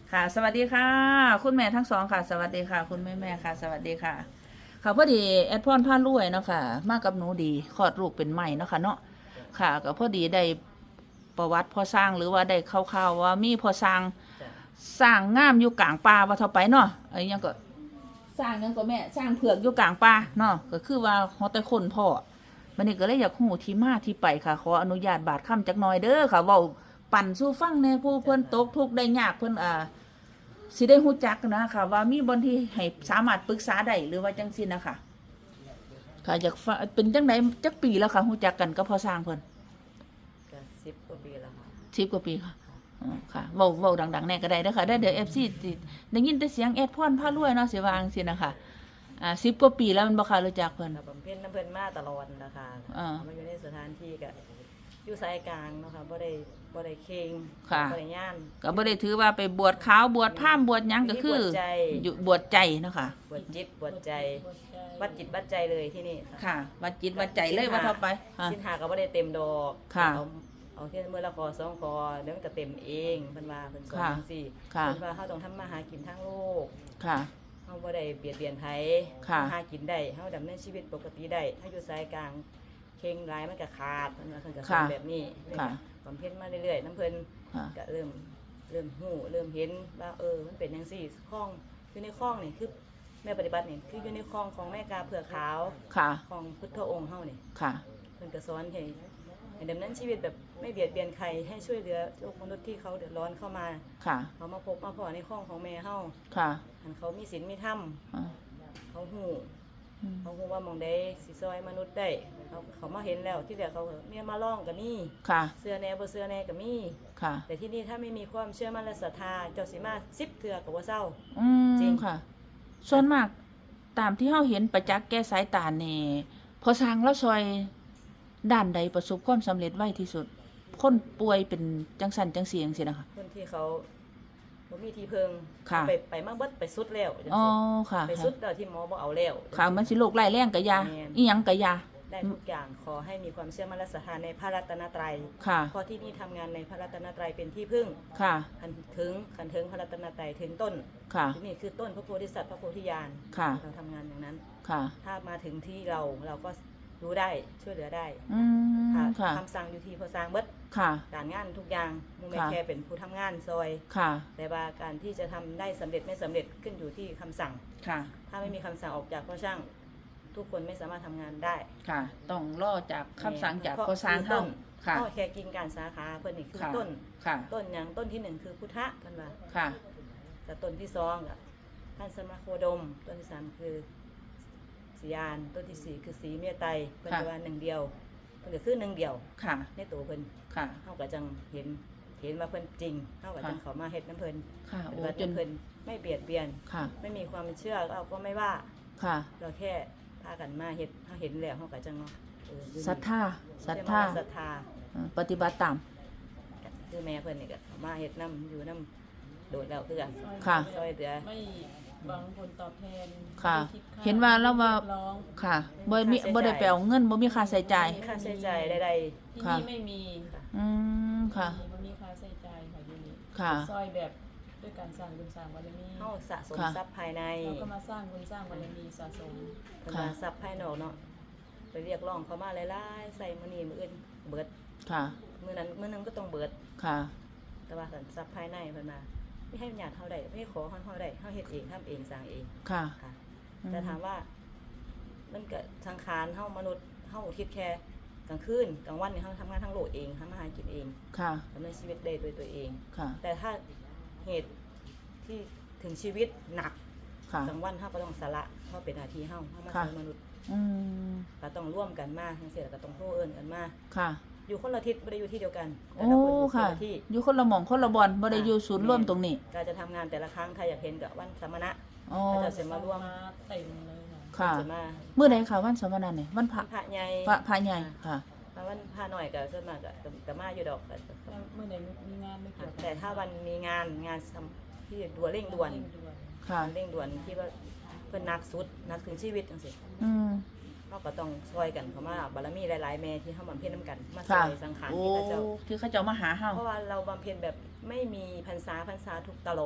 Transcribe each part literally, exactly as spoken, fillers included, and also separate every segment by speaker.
Speaker 1: ค่ะสวัสดีค่ะคุณแม่ทั้งสองค่ะสวัสดีค่ะคุณแม่แม่ค่ะสวัสดีค่ะค่ะพอดีแอดพรพารวยเนาะค่ะมากับหนูดีคลอดลูกเป็นใหม่เนาะค่ะเนาะค่ะก็พอดีได้ประวัติพอสร้างหรือว่าได้ข่าวๆว่ามีพอสร้าง
Speaker 2: จ้ะ
Speaker 1: สร้างงามอยู่กลางป่าว่าเท่าไปเนาะไอ้ยังก็สร้างยังก็แม่สร้างเผือกอยู่กลางป่าเนาะก็คือว่าฮอดแต่คนพ่อมันนี่ก็เลยอยากฮู้ที่มาที่ไปค่ะขออนุญาตบาดคำจักหน่อยเด้อค่ะเว้าปั่นสู่ฟังแหน่ผู้เพิ่นตกทุกข์ได้ยากเพิ่นอ่า สิได้ฮู้จักนะค่ะว่ามีบนที่ให้สามารถปรึกษาได้หรือว่าจังซี่นะคะค่ะอยากฟังเป็นจังไดจักปีแล้วค่ะฮู้จักกันก็พอสร้างเพิ่น
Speaker 2: ก็สิบกว่าปีแล้วค่ะ
Speaker 1: สิบกว่าปีค่ะอ๋อค่ะเว้าเว้าดังๆแน่ก็ได้เด้อค่ะได้เดี๋ยว เอฟ ซี สิได้ยินแต่เสียงแอดพรพารวยเนาะสิว่าจังซี่นะคะอ่าสิบกว่าปีแล้วมันบ่ค่ะรู้จักเพิ่น
Speaker 2: เราบำเพ็ญน้ำเพิ่นมาตลอดนะคะ
Speaker 1: อ่า
Speaker 2: มาอยู่ในสถานที่ก็อยู่สายกลางเนาะค่ะบ่ได้บ่ได้เคง
Speaker 1: ค่ะ
Speaker 2: บ่ได้ย่าน
Speaker 1: ก็บ่ได้ถือว่าไปบวชขาวบวชพราหมณ์บวชหยังก็คือบ
Speaker 2: วชใจ
Speaker 1: อยู่บวชใจเนาะค่ะ
Speaker 2: บวชจิตบวชใจวัดจิตวัดใจเลยที่นี่ค่ะ
Speaker 1: ค่ะวัดจิตวัดใจเลยว่าเท่าไปค่ะ
Speaker 2: สินหาก็บ่ได้เต็มดอก
Speaker 1: ค่ะ
Speaker 2: เอาเอาแค่มื้อละคอสองคอเดี๋ยวมันก็เต็มเองเพิ่นว่าเพิ่นสอน
Speaker 1: ค่ะ
Speaker 2: จังซี่
Speaker 1: ค่ะ
Speaker 2: เพิ่นว่าเฮาต้องทำมาหากินทางโลก
Speaker 1: ค่ะ
Speaker 2: เฮาบ่ได้เบียดเบียนไผ
Speaker 1: ค่ะ
Speaker 2: หากินได้เฮาดำเนินชีวิตปกติได้เฮาอยู่สายกลางเข่งหลายมันก็ขาดเพิ่นว่าเพิ่นก็สอน
Speaker 1: ค่ะ
Speaker 2: แบบนี้
Speaker 1: ค่ะ
Speaker 2: บำเพ็ญมาเรื่อยๆน้ำเพิ่น
Speaker 1: ค่ะ
Speaker 2: ก็เริ่มเริ่มฮู้เริ่มเห็นว่าเออมันเป็นจังซี่คล้องอยู่ในคล้องนี่คือแม่ปฏิบัตินี่คืออยู่ในคล้องของแม่กาเผือกขาว
Speaker 1: ค่ะ
Speaker 2: ของพุทธองค์เฮานี่
Speaker 1: ค่ะ
Speaker 2: เพิ่นก็สอนให้ให้ดำเนินชีวิตแบบไม่เบียดเบียนใครให้ช่วยเหลือโลกมนุษย์ที่เขาเดือดร้อนเข้ามา
Speaker 1: ค่ะ
Speaker 2: เขามาพบมาพอในคล้องของแม่เฮา
Speaker 1: ค่ะ
Speaker 2: หันเขามีศีลมีธรรม
Speaker 1: อ่า
Speaker 2: เขาฮู้
Speaker 1: อืม
Speaker 2: เขาคงว่ามองได้สิซอยมนุษย์ได้เขาเขามาเห็นแล้วที่เดียวเขาเมียมาล่องก็มี
Speaker 1: ค่ะ
Speaker 2: เสื้อแหน่บ่เสื้อแหน่ก็มี
Speaker 1: ค่ะ
Speaker 2: แต่ที่นี่ถ้าไม่มีความเชื่อมั่นและศรัทธาเจ้าสิมาสิบเถื่อก็บ่เศร้า
Speaker 1: อื
Speaker 2: จริ
Speaker 1: ม
Speaker 2: ง
Speaker 1: ค่ะ ส่วนมาก ตามที่เฮาเห็นประจักษ์แก้สายตานี่พอสร้างแล้วซอยด้านใดประสบความสำเร็จไวที่สุด คนป่วยเป็นจังสันจังเสียงสินะคะ
Speaker 2: คนที่เขาบ่มีที่เพิง
Speaker 1: ค่ะ
Speaker 2: ไปไปมาเบิดไปสุดแล้วจัง
Speaker 1: อ๋อ
Speaker 2: ซี่
Speaker 1: ค่ะ
Speaker 2: ไปสุดแล้วที่หมอบ่เอาแล้ว
Speaker 1: ค่ะ มันสิโรคร้ายแรงกะยา
Speaker 2: แม่น
Speaker 1: อีหยังกะยา
Speaker 2: ได้ทุกอย่างขอให้มีความเชื่อมั่นและศรัทธาในพระรัตนตรัย
Speaker 1: ค่ะ
Speaker 2: เพราะที่นี่ทำงานในพระรัตนตรัยเป็นที่พึ่ง
Speaker 1: ค่ะ
Speaker 2: คันถึงคันถึงพระรัตนตรัยถึงต้น
Speaker 1: ค่ะ
Speaker 2: ที่นี่คือต้นพระโพธิสัตว์พระโพธิญาณ
Speaker 1: ค่ะ
Speaker 2: เราทำงานอย่างนั้น
Speaker 1: ค่ะ
Speaker 2: ถ้ามาถึงที่เราเราก็รู้ได้ช่วยเหลือได้
Speaker 1: อืม
Speaker 2: ค่ะ
Speaker 1: ค่ะ
Speaker 2: คำสั่งอยู่ที่พอสร้างเบิด
Speaker 1: ค่ะ
Speaker 2: การงานทุกอย่างมูแม่
Speaker 1: ค่ะ
Speaker 2: แค่เป็นผู้ทำงานซอย
Speaker 1: ค่ะ
Speaker 2: แต่ว่าการที่จะทำได้สำเร็จไม่สำเร็จขึ้นอยู่ที่คำสั่ง
Speaker 1: ค่ะ
Speaker 2: ถ้าไม่มีคำสั่งออกจากพ่อช่าง ทุกคนไม่สามารถทำงานได้
Speaker 1: ค่ะ ต้องรอจากคำสั่งจาก
Speaker 2: เพราะ
Speaker 1: พอสร้าง
Speaker 2: คือต้
Speaker 1: เฮาน ค่ะ
Speaker 2: พ่อแค่กินการสาขาเพิ่นนี่คือ
Speaker 1: ค่ะ
Speaker 2: ต้น
Speaker 1: ค่ะ
Speaker 2: ต้นอย่างต้นที่หนึ่งคือพุทธะกันว่า
Speaker 1: ค่ะ
Speaker 2: แต่ต้นที่สองอ่ะท่านสมาโคดม ต้นที่สามคือสียานต้นที่สี่คือสีเมตไตรเพิ่น
Speaker 1: ค่ะ
Speaker 2: จะว่าหนึ่งเดียวเพิ่นก็คือหนึ่งเดียว
Speaker 1: ค่ะ
Speaker 2: ในตัวเพิ่น
Speaker 1: ค่ะ
Speaker 2: เฮาก็จังเห็นเห็นว่าเพิ่นจริงเฮาก็จัง
Speaker 1: ค่ะ
Speaker 2: เข้ามาเฮ็ดน้ำเพิ่น
Speaker 1: ค่ะ
Speaker 2: ป
Speaker 1: โอ้
Speaker 2: ฏิบัติ
Speaker 1: จน
Speaker 2: น้ำเพิ่นไม่เบียดเบียน
Speaker 1: ค่ะ
Speaker 2: ไม่มีความเชื่อเราก็ไม่ว่า
Speaker 1: ค่ะ
Speaker 2: เราแค่พากันมาเฮ็ดเฮาเห็นแล้วเฮาก็จังเนาะเอออยู่นี่
Speaker 1: ศรัทธา ศรัท
Speaker 2: เชื่อ
Speaker 1: ธา
Speaker 2: มั่นและศรัทธา
Speaker 1: อ่าปฏิบัติตาม
Speaker 2: คือแม่เพิ่นนี่ก็เข้ามาเฮ็ดน้ำอยู่น้ำโดดแล้วคือกัน
Speaker 1: ค่ะ
Speaker 2: ซอยเหลือ
Speaker 3: ไม่หวังผลตอบแทน
Speaker 1: ค่ะ
Speaker 3: ไม่ดค่
Speaker 1: เห็นว่าเราว่า
Speaker 3: เรียกร้อง
Speaker 1: ค่ะบ่มีบ่ได้ไปเอาเงินบ่มีค่าใช้จ่าย
Speaker 2: มีค่าใช้จ่ายใด
Speaker 3: ที่
Speaker 1: ค่ะ
Speaker 3: นี่ไม่มี
Speaker 1: อืม ค่ะ
Speaker 3: ไม่มีค่าใช้จ่ายค่ะอยู่นี่
Speaker 1: ค่ะ
Speaker 3: ซอยแบบด้วยการสร้างบุญสร้างบารมี
Speaker 2: ๆเฮาสะสม
Speaker 1: ค่ะ
Speaker 2: ทรัพย์ภายใน
Speaker 3: เราก็มาสร้างบุญสร้างบารมีสะสม
Speaker 2: เพิ่นว่าทรัพย์ภายนอกเนาะไปเรียกร้องเขามาหลายๆใส่มื้อนี้มื้ออื่นเบิด
Speaker 1: ค่ะ
Speaker 2: มื้อนั้นมื้อหนึงก็ต้องเบิด
Speaker 1: ค่ะ
Speaker 2: แต่ว่าสันทรัพย์ภายในเพิ่นมาไม่ให้ญาติเฮาได้ไม่ให้ขอเฮาเฮาได้เฮาเฮ็ดเองทำเองสร้างเอง
Speaker 1: ค่ะ
Speaker 2: ค่ะ
Speaker 1: อืม
Speaker 2: แต่ถามว่ามันก็สังขารเฮามนุษย์เฮาคิดแค่กลางคืนกลางวันนี่เฮาทำงานทั้งโลกเองทำอาหารกินเอง
Speaker 1: ค่ะ
Speaker 2: ดำเนินชีวิตได้ด้วยตัวเอง
Speaker 1: ค่ะ
Speaker 2: แต่ถ้าเหตุที่ถึงชีวิตหนัก
Speaker 1: ค่ะ
Speaker 2: กลางวันเฮาก็ต้องสละเพราะเป็นหน้าที่เฮาเฮามา
Speaker 1: ค่ะ
Speaker 2: ช่วยมนุษย์
Speaker 1: อืม
Speaker 2: ก็ต้องร่วมกันมาจังซี่แล้วก็ต้องโทรเอิ้นกันมา
Speaker 1: ค่ะ
Speaker 2: อยู่คนละทิศบ่ได้อยู่ที่เดียวกันแต่
Speaker 1: โอ้
Speaker 2: ละคนอยู่คน
Speaker 1: ค่ะ
Speaker 2: ละที่
Speaker 1: อยู่คนละหม่องคนละบอนบ่ได้อยู่ศูนย์ร่วมตรงนี้
Speaker 2: การจะทำงานแต่ละครั้งใครอยากเห็นกับวันสมณะ
Speaker 1: อ๋อ
Speaker 2: ก็จะมาร่วม
Speaker 3: เต็มเลยค่ะ
Speaker 1: ค่ะ
Speaker 2: จะมา
Speaker 1: มื้อใดค่ะวันสมณะนี่วันพระ
Speaker 2: พระใหญ่
Speaker 1: พระพระใหญ่ค่ะ
Speaker 2: ถ้าวันพระหน่อยก็จะมาก็ก็มาอยู่ดอกแต่
Speaker 3: แล้วเมื่อไหร่มีงานไม่เกี่ยวกับ
Speaker 2: แต่ถ้าวันมีงานงานสำที่ด่วนเร่งด่วน
Speaker 3: เร่งด่วน
Speaker 1: ค่ะ
Speaker 2: เร่งด่วนที่ว่าเพิ่นหนักสุดหนักถึงชีวิตจังซี่
Speaker 1: อืม
Speaker 2: เฮาก็ต้องช่วยกันเพราะว่าบารมีหลายๆแม่ที่เฮาบำเพ็ญนํกันมาช่
Speaker 1: ค่ะ
Speaker 2: วยสังขาร
Speaker 1: โอ้
Speaker 2: ที่พระเจ้า
Speaker 1: ที่เขาเจ้ามาหาเฮา
Speaker 2: เพราะว่าเราบำเพ็ญแบบไม่มีพรรษาพรรษาทุกตลอด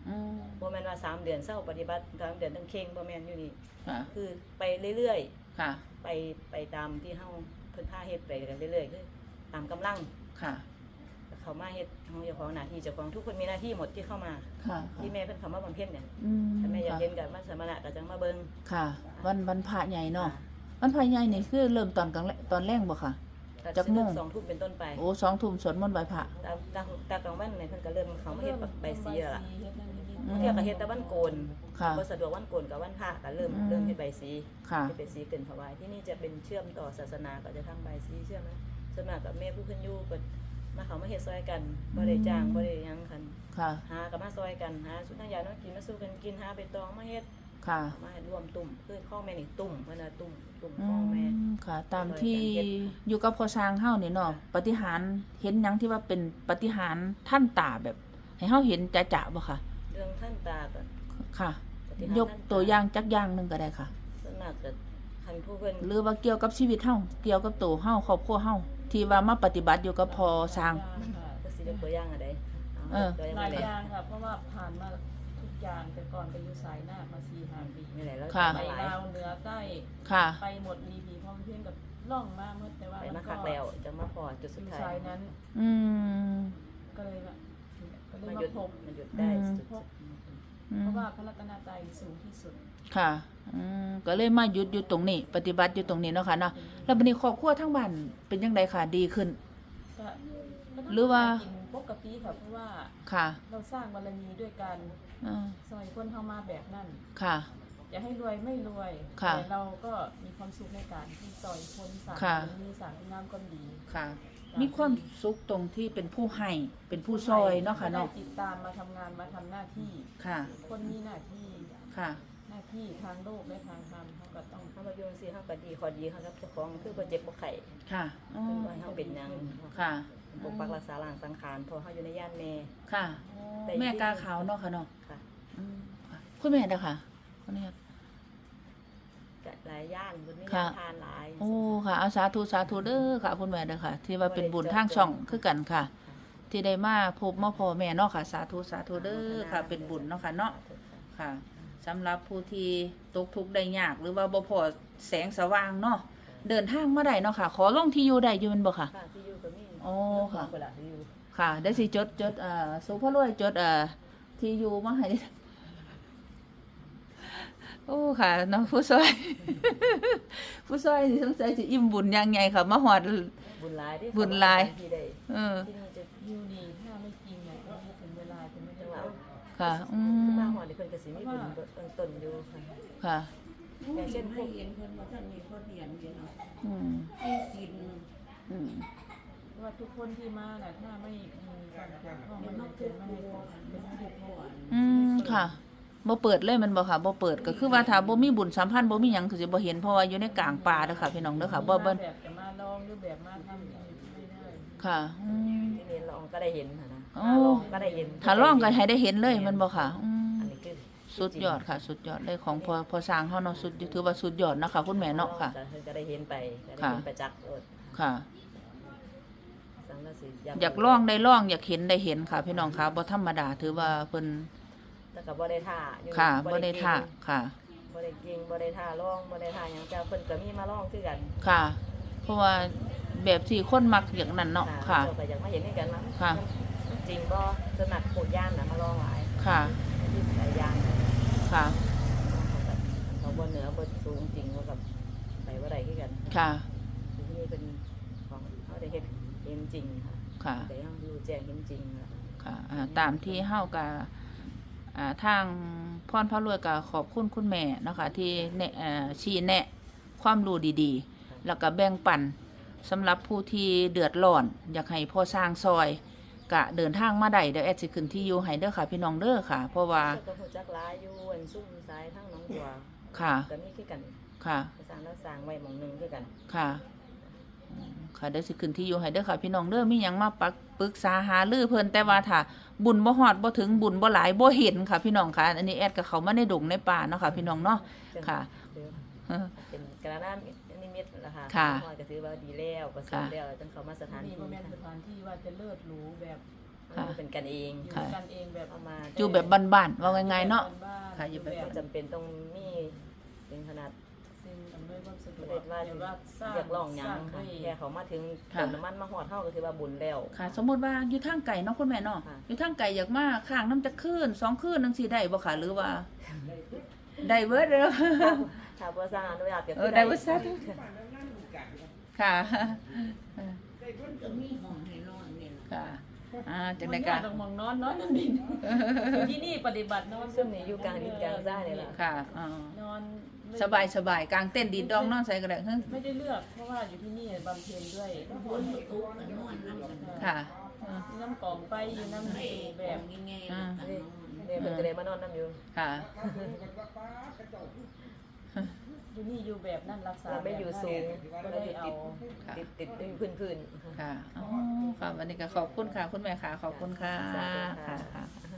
Speaker 1: อืม
Speaker 2: บ่แม่นว่าสามเดือนเศร้าปฏิบัติสามเดือนต้องเข่งบ่แม่นอยู่นี่
Speaker 1: ค่ะ
Speaker 2: คือไปเรื่อย
Speaker 1: ค่ะ
Speaker 2: ๆไปไปตามที่เฮาเพิ่นพาเฮ็ดไปกันเรื่อยๆคือตามกำลัง
Speaker 1: ค่ะ
Speaker 2: เขามาเฮ็ดเฮาเจ้าของหน้าที่เจ้าของทุกคนมีหน้าที่หมดที่เข้ามา
Speaker 1: ค่ะ
Speaker 2: ที่แม่เพิ่นเข้ามาบำเพ็ญเนี่ย
Speaker 1: อืม
Speaker 2: ถ้าแม่อยาก
Speaker 1: ค่ะ
Speaker 2: เห็นก็มาสมณะก็จังมาเบิ่ง
Speaker 1: ค่ะ วันวันพระใหญ่เนาะวันพระใหญ่นี่คือเริ่มตอนกลางแลตอนแรกบ่ค่ะ
Speaker 2: ก็
Speaker 1: จักโมง
Speaker 2: สองทุ่มเป็นต้นไป
Speaker 1: โอ้สองทุ่มสวดมนต์ไหว้พระ
Speaker 2: ตามตามตามกลางวันเนี่ยเพิ่นก็เริ่มเขามาเฮ็ดใบสีแล้วล่ะ
Speaker 3: เฮ็ดนั่นนี่
Speaker 1: อืม
Speaker 2: เที่ยวก็เฮ็ดแต่วันโกน
Speaker 1: ค่ะ
Speaker 2: บ่สะดวกวันโกนกับวันพระก็เริ่ม
Speaker 1: อืม
Speaker 2: เริ่มเฮ็ดใบสี
Speaker 1: ค่ะ
Speaker 2: เฮ็ดใบสีเกินถวายที่นี่จะเป็นเชื่อมต่อศาสนาก็จะทำใบสีเชื่อมนะส่วนมากกับแม่ผู้เพิ่นอยู่ก็มาเขามาเฮ็ดซอยกันบ่ได้จ้างบ่ได้หยังคัน
Speaker 1: ค่ะ
Speaker 2: หาก็มาซอยกันหาสุนัขยาเนาะกินมาสู้กันกินหาไปตองมาเฮ็ด
Speaker 1: ค่ะ
Speaker 2: มาให้รวมตุ่มคือข้องแม่นี่ตุ่มเพิ่นน่ะตุ่มตุ่ม
Speaker 1: อื
Speaker 2: ข้องแม่
Speaker 1: มค่ะ ตามที่อยู่กับพ่อช้างเฮานี่เนาะปฏิหารย์เห็นหยังที่ว่าเป็นปฏิหารย์ท่านตาแบบ ให้เฮาเห็นจะๆบ่ค่ะ
Speaker 2: เรื่องท่านตาก็
Speaker 1: ค่ะ
Speaker 2: ปฏิหาร
Speaker 1: ยกตัวอย่างจักอย่างหนึงก็ได้ค่ะ
Speaker 2: ส่วนมากก็คันผู้เพิ่น
Speaker 1: หรือว่าเกี่ยวกับชีวิตเฮาเกี่ยวกับตัวเฮาครอบครัวเฮาที่ว่ามาปฏิบัติอยู่กับพ่อช้าง
Speaker 2: ก็สิยกตัวอย่างอันใด
Speaker 1: เออ
Speaker 2: ตัวอย่าง
Speaker 3: หลาย
Speaker 2: อะไร
Speaker 3: อย่างค่ะเพราะว่าผ่านมาทุกอย่างแต่ก่อนไปอยู่สายหน้ามาสี่ห้าปี
Speaker 2: นี่แหละแล้ว
Speaker 1: ค่ะ
Speaker 3: ไป
Speaker 2: มาหลาย
Speaker 3: ลาวเหนือใต้
Speaker 1: ค่ะ
Speaker 3: ไปหมดรีพีพร้อมเพื่อนกับล่องมาเมื่อแต่ว่า
Speaker 2: ไป
Speaker 3: มั
Speaker 2: มาน
Speaker 3: ก็
Speaker 2: คักแล้วจังมาพอจุด
Speaker 3: อ
Speaker 2: สุด
Speaker 3: ยู่
Speaker 2: ท้า
Speaker 3: สาย ยนั้น
Speaker 1: อืม
Speaker 3: ก็เลยว่าก็เลย
Speaker 2: มัน
Speaker 3: มา
Speaker 2: หยุด
Speaker 3: พบ
Speaker 2: มันหยุดได้
Speaker 1: อืม
Speaker 2: จุด
Speaker 3: พบ
Speaker 1: อื
Speaker 3: เพ
Speaker 1: ม
Speaker 3: ราะว่าพระรัตนตรัยสูงที่สุด
Speaker 1: ค่ะอืมก็เลยมาหยุดอยู่ตรงนี้ ปฏิบัติอยู่ตรงนี้เนาะค่ะเนาะแล้วบัดนี้ครอบครัวทั้งบ้านเป็นจังไดค่ะดีขึ้น
Speaker 3: ก็ก็ต้ง
Speaker 1: หรือว่า
Speaker 3: กินปกติค่ะเพราะว่า
Speaker 1: ค่ะ
Speaker 3: เราสร้างบารมีด้วยการ
Speaker 1: อ่า
Speaker 3: ซอยคนเข้ามาแบบนั้น
Speaker 1: ค่ะ
Speaker 3: จะให้รวยไม่รวย
Speaker 1: ค่ะ
Speaker 3: แต่เราก็มีความสุขในการที่ซอยคนสร้าง
Speaker 1: ค่ะ
Speaker 3: บารมีสร้างคุณงามความดี
Speaker 1: ค่ะ มีความสุขตรงที่เป็นผู้ให้เป็นผู้ซอยเนาะค่ะเนาะ
Speaker 3: ได้ติดตามมาทำงานมาทำหน้าที่
Speaker 1: ค่ะ
Speaker 3: คนมีหน้าที่
Speaker 1: ค่ะ
Speaker 3: หน้าที่ทางโลกและทางธรรมเขาก็ต้อง
Speaker 2: ๆเขามาโยนสิเขาก็ดีขอดีเขาครับเจ้าของคือบ่เจ็บบ่ไข้
Speaker 1: ค่ะอ๋อ
Speaker 2: เป็นว่าเขาเป็นหยัง
Speaker 1: ค่ะ
Speaker 2: ปกปักรักษาร่างสังขารเพอเขาอยู่ในย่านแม่
Speaker 1: ค่ะ
Speaker 2: แต่
Speaker 1: แม่กาขาวเนาะค่ะเนาะ
Speaker 2: ค่ะ
Speaker 1: อืมค่ะคุณแม่เด้อค่ะคนนี้
Speaker 2: ก็หลายย่านบนนี้
Speaker 1: ค่ะ
Speaker 2: ทานหลาย
Speaker 1: โอ้ค่ะเอาสาธุสาธุเด้อค่ะคุณแม่เด้อค่ะ ที่ว่าเป็นบุญทางช่องคือกันค่ะ ที่ได้มาพบมาพ่อแม่เนาะค่ะ สาธุสาธุเด้อค่ะ เป็นบุญเนาะค่ะเนาะค่ะสำหรับผู้ที่ตกทุกข์ได้ยากหรือว่าบ่พอแสงสว่างเนาะเดินทางมาได้เนาะค่ะ ขอลงที่อยู่ได้อยู่แม่นบ่ค่ะ
Speaker 2: ค่ะที่อยู่ก็มี
Speaker 1: อ๋อค่ะ
Speaker 2: เวลาที่อยู่
Speaker 1: ค่ะได้สิจดจดเอ่อสุภาพรวยจดเอ่อที่อยู่มาให้ โอ้ค่ะเนาะผู้ซอย ผู้ซอยนี่สงสัยสิอิ่มบุญยังไงค่ะมาฮอด
Speaker 2: บุญหลายที่
Speaker 1: บุญหลาย
Speaker 2: ที่ได้
Speaker 1: เออ
Speaker 2: ที่นี่จะ
Speaker 3: อยู่นี่ถ้าไม่จริงเนี่ยก็ไม่ถึงเวลาจะไม่ได้
Speaker 2: จังหวะ
Speaker 1: ค่ะอืม
Speaker 2: มาหอดนี่เพิ่นก็สิมีบุญเบื้องต้นอยู่ค่ะ
Speaker 1: ค่ะ
Speaker 2: อย่างเช่นพวก
Speaker 4: เห็นเพิ่นว่าท่านมีคนเรียนอยู่เนาะ
Speaker 1: อืม
Speaker 4: ให้กิน
Speaker 1: อืม
Speaker 3: ว่าทุกคนที่มาน่ะถ้าไม่มีความเกี่ยวข้องไม่ได้เป็นไม่ให้เป็นไม่ได้พ่อ
Speaker 1: อืมค่ะบ่เปิดเลยแมันบ่ค่ะบ่เปิดก็คือว่าถ้าบ่มีบุญสัมพันธ์บ่มีหยังคือสิบ่เห็นเพราะว่าอยู่ในกลางป่าเด้อค่ะพี่น้องเด้อค่ะบ่บ่
Speaker 3: แบบจะมาลองหรือแบบมาทำไม่ได้
Speaker 1: ค่ะอืม
Speaker 2: ที่นี่ลองก็ได้เห็นค่ะนะ
Speaker 1: โอ้
Speaker 2: ลองก็ได้เห็น
Speaker 1: ถ้าร้องก็ให้ได้เห็นเลยแมันบ่ค่ะอืม
Speaker 2: อันนี้คือ
Speaker 1: สุดยอดค่ะ สุดยอดเลยของพอพอสร้างเฮาเนาะสุดถือว่าสุดยอดนะคะคุณแม่เนาะค่ะ
Speaker 2: เพิ่นก็ได้เห็นไปก็ได้
Speaker 1: ค่ะ
Speaker 2: เห็นประจักษ์เออ
Speaker 1: ค่ะ
Speaker 2: สังกะสี
Speaker 1: อยากลองได้ลองอยากเห็นได้เห็นค่ะ พี่น้องค่ะบ่ธรรมดาถือว่าเพิ่น
Speaker 2: แต่ก็บ่ได้ท่าอยู่
Speaker 1: ค่ะบ่ได้ท่าค่ะ
Speaker 2: บ่ได้เก่งบ่ได้ท่าร้องบ่ได้ท่าหยังแต่เพิ่นก็มีมาร้องคือกัน
Speaker 1: ค่ะ เพราะว่าแบบที่คนมักอย่างนั้นเนาะค่ะ
Speaker 2: เจ้าก็อยากมาเห็นด้วยกันนะ
Speaker 1: ค่ะ
Speaker 2: มันจริงบ่สนัดโคดย่านน่ะมาร้องหลาย
Speaker 1: ค่ะ
Speaker 2: ที่สายยาน
Speaker 1: ค่ะ
Speaker 2: เขาบ่เหนือบ่สูงจริงเขากับไปบ่ได้คือกัน
Speaker 1: ค่ะ
Speaker 2: ที่นี่เป็นของเขาได้เฮ็ดเห็นจริงค่ะ
Speaker 1: ค่ะ
Speaker 2: แต่ยังรู้แจ้งเห็นจริงค่ะ
Speaker 1: ค่ะอ่าตามที่เฮาก็อ่าทางพรพระรวยก็ขอบคุณคุณแม่เนาะคะที่แนะเอ่อชี้แนะความรู้ดีๆ แล้วก็แบ่งปันสำหรับผู้ที่เดือดร้อน อยากให้พ่อสร้างซอยกะเดินทางมาได้เดี๋ยวแอดสิขึ้นที่อยู่ให้เด้อค่ะ พี่น้องเด้อค่ะ เพราะว่า
Speaker 2: เจ้าก็ฮู้จักหลายอยู่อันซุ่มซ้ายทั้งหน้องบัว
Speaker 1: ค่ะ
Speaker 2: ก็มีคือกัน
Speaker 1: ค่ะ
Speaker 2: สร้างแล้วสร้างไว้หม่องหนึงคือกัน
Speaker 1: ค่ะอืมค่ะเดี๋ยวสิขึ้นที่อยู่ให้เด้อค่ะ พี่น้องเด้อมีหยังมาปักปรึกษาหารือเพิ่นแต่ว่าถ้าบุญบ่ฮอดบ่ถึงบุญบ่หลายบ่เห็นค่ะ พี่น้องค่ะ อันนี้แอดก็เข้ามาในดงในป่าเนาะค่ะ พี่น้องเนาะ ค่ะ เออ
Speaker 2: เป็นกระดานนิมิตนะคะ
Speaker 1: ค่ะ
Speaker 2: พ่อก็ถือว่าดีแล้วประเสริฐแล้วจังเขามาสถาน
Speaker 3: นี่
Speaker 2: ที่
Speaker 3: บ่แม่นส
Speaker 2: ค่ะ
Speaker 3: ถานที่ว่าจะเลิศหรูแบบ
Speaker 1: ค่ะ
Speaker 2: เป็นกันเอง
Speaker 3: อยู่
Speaker 1: ค่ะ
Speaker 3: กันเองแบบ
Speaker 2: เอามา
Speaker 1: อยู่แบบบ้านๆว่าง่ายๆเนาะ
Speaker 3: บ้านๆ
Speaker 1: ค่ะอยู่แบบ
Speaker 2: บ่จำเป็นต้องมีถึงขนาด
Speaker 3: สิ่งอำนวยความสะดว
Speaker 2: บ่
Speaker 3: ก
Speaker 2: ได้ว่า
Speaker 3: เดี๋ยวว่าสร้าง
Speaker 2: อยากลองหยัง
Speaker 3: สร้าง
Speaker 2: ค่ะ
Speaker 3: ด้วย
Speaker 2: แค่เขามาถึง
Speaker 1: ค่ะ
Speaker 2: เติมน้ำมันมาฮอดเฮาก็ถือว่าบุญแล้ว
Speaker 1: ค่ะ สมมุติว่าอยู่ทางไกลเนาะคุณแม่เนาะ
Speaker 2: ค่ะ
Speaker 1: อยู่ทางไกลอยากมาข้างน้ำจะคืนสองคืนจังซี่ได้บ่ค่ะหรือว่าได้เบิดเด้อ
Speaker 2: ถ้าบ่สร้างอนุญาตก็
Speaker 1: เอ
Speaker 2: คือ อ
Speaker 1: ได้เบิดซะค่ะ
Speaker 4: มันก็มีห้องให้นอนเนี่ยล่ะ
Speaker 1: ค่ะอ่าจัง
Speaker 3: มั
Speaker 1: ได๋
Speaker 3: น
Speaker 1: ก็
Speaker 3: ยากต้องมองนอนนอนนั่นดินอยู่ที่นี่ปฏิบัตินอน
Speaker 2: ซึ่งนี่อยู่กลางดินกลางทรายนี่ล่ะ
Speaker 1: ค่ะอ่าน
Speaker 3: อนไม่
Speaker 1: สบายสบายๆกลางเต้นดีดดองนอนใส่ก็ได้เฮ้ย
Speaker 3: ไม่ได้เลือกเพราะว่าอยู่ที่นี่บำเพ็ญด้วย
Speaker 4: ฝนตกก็นอนนำกัน
Speaker 1: ค่ะอ่า
Speaker 3: น้ำกล่องไปอยู่น้ำ
Speaker 4: ให้
Speaker 3: สูแบ
Speaker 4: แบบ บง่ายๆแล้วกันนอน
Speaker 2: นี่เพิ่นก็เลยมานอนนํอยู่
Speaker 1: ค่ะ
Speaker 3: อยู่นี่อยู่แบบนั่นรักษา
Speaker 2: เราไม่อยู่สูง
Speaker 3: ก็
Speaker 2: เรา
Speaker 3: ได้
Speaker 2: อยู่
Speaker 3: เอา
Speaker 2: ติดติดติดอยู่พื้นๆ
Speaker 1: ค่ะอ๋อค่ะวันนี้ก็ขอบคุณค่ะ คุณแม่ค่ะ ขอบคุณค่ะ
Speaker 2: สาธุ
Speaker 1: ค่ะ
Speaker 2: ค่ะ
Speaker 1: ค่ะ